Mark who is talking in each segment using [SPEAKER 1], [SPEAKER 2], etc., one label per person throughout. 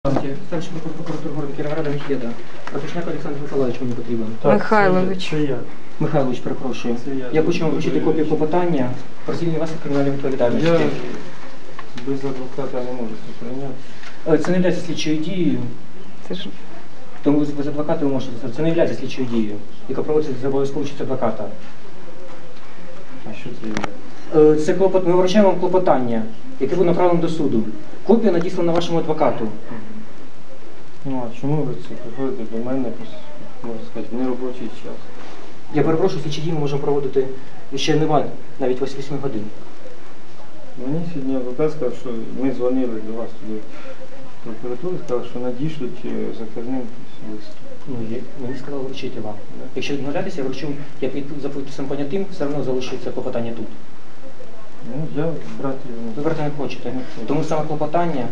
[SPEAKER 1] Старший прокурор города Кіровограда Міхеда. Пропічняк Олександр Миколаївич мені потрібен.
[SPEAKER 2] Михайлович.
[SPEAKER 3] Це я.
[SPEAKER 1] Михайлович, перепрошую.
[SPEAKER 3] Це я.
[SPEAKER 1] Я хочу вам вручити копію клопотання про звільнення вас від кримінальної відповідальності.
[SPEAKER 3] Я без адвоката не можу це прийняти.
[SPEAKER 1] Це не є слідчою дією,
[SPEAKER 2] Це ж
[SPEAKER 1] тому без адвоката ви можете це не є слідчою дією, яка проводиться за обов'язково участь адвоката.
[SPEAKER 3] А що це є?
[SPEAKER 1] Це ми вручаємо вам клопотання, яке буде направлено до суду. Копія надіслана вашому адвокату.
[SPEAKER 3] Ну а чому ви це приходите до мене, можна сказати, в неробочий час?
[SPEAKER 1] Я перепрошую, слідчі дії ми можемо проводити ще навіть 8 годин.
[SPEAKER 3] Мені сьогодні адвокат сказав, що ми дзвонили до вас туди в прокуратуру, сказали, що надішлють заказним лист.
[SPEAKER 1] Ну, мені сказали вручити вам. Якщо відмовлятися, я вручу, я за підписом понятим, все одно залишиться клопотання тут.
[SPEAKER 3] Ну, я брати його не
[SPEAKER 1] Ви брати не хочете. Тому саме клопотання.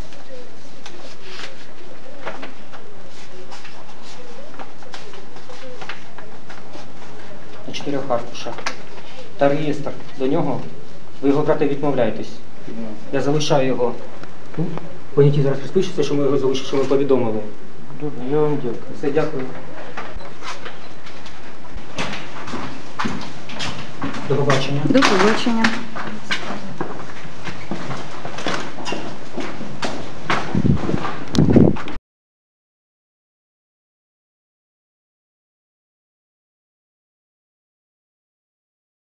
[SPEAKER 1] На 4 аркушах. Та реєстр до нього. Ви його брати відмовляєтесь. Я залишаю його тут. Поняті зараз розпишеться, що ми його залишили, що ми повідомили.
[SPEAKER 3] Добре, я вам дякую.
[SPEAKER 1] Все, дякую. До побачення.
[SPEAKER 2] до побачення.